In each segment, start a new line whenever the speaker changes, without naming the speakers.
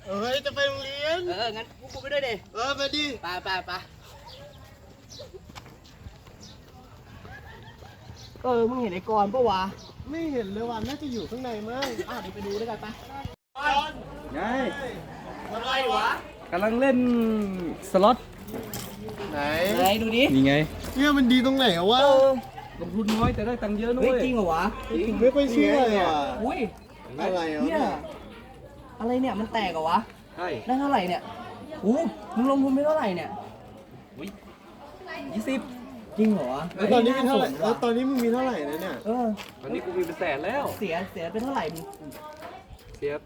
เอ้ยจะไปโรงเรียน
งั้นพวกกูไปด้วยดิ
ไปดิ
ไปมึงเห็นไอ้กรณ์ปะวะ
ไม่เห็นเลยว่ะน่าจะอยู่ข้างในมั้ง
เดี๋ยวไปดูด้วยกันปะ
ไง
อะไรวะ
กำลังเล่นสล็อต
ไหน
ดูดิ
นี่ไง
เนี่ยมันดีตรงไหนอะวะ
ลงทุนน้อยแต่ได้ตังค์เยอะนุ้ย
จริงเหรอวะ
ผมไม่ค่อยเชื่อเลยอ่ะ
อุ้ย
อะไร
เนี่ยอะไรเนี่ยมันแตกเหรอวะ
ใช่
ได้เท่าไหร่เนี่ยมึงลงทุนไปเท่าไหร่เนี่ย
20
จริงเหรอ
แล้วตอนนี้มีเท่าไหร่แล้วตอนนี้มึงมีเท่าไหร่นะเนี่ย
ตอนนี้กูมีเป็นแสนแล้ว
เสียเป็นเท่าไหร่มึง
เสีย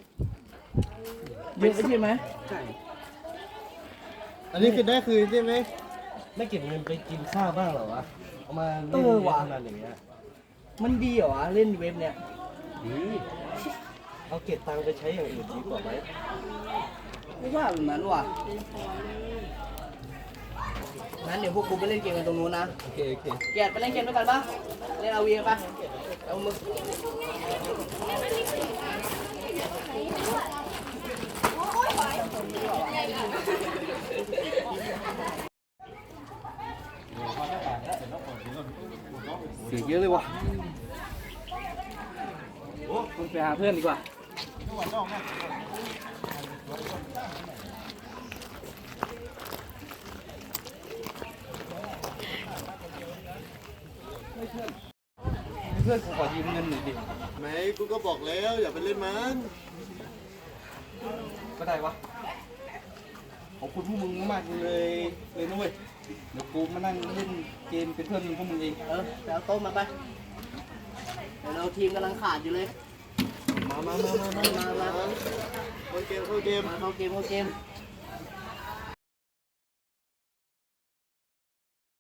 เยอะใช่ไหม
ใช่
อันนี้คือได้คืนใช่ไหม
ไม่เก็บเงินไปกินข้าวบ้างเหรอวะเอามาเล่น
วะ
นานอย่างเงี้ย
มันดีเหรอวะเล่นเว็บเนี่ย
ดี
เอาเก็บตังค์ไปใช้อย่างอื่นดีกว่าไหม
ไม่ว่าแบบนั้นว่ะงั้นเดี๋ยวพวกกูไปเล่นเกมกันตรงนู้นนะ
โอเค
แกไปเล่นเกมด้วยกันปะเล่นเอาวีปะเอามึง
เสียเยอะเลยวะคุณไปหาเพื่อนดีกว่าเพื่อนกูขอยืมเงินหน่อยดิ
ไหนกูก็บอกแล้วอย่าไปเล่นมัน
ก็ได้วะขอบคุณพวกมึงมากเลยนะเว้ยเดี๋ยวกูมานั่งเล่นเกมเป็นเพื่อนพวกมึงเอง
ไปเอาโต๊ะมาไปเดี๋ยวเราทีมกำลังขาดอยู่เลย
มาเข้าเกม
เข้าเกม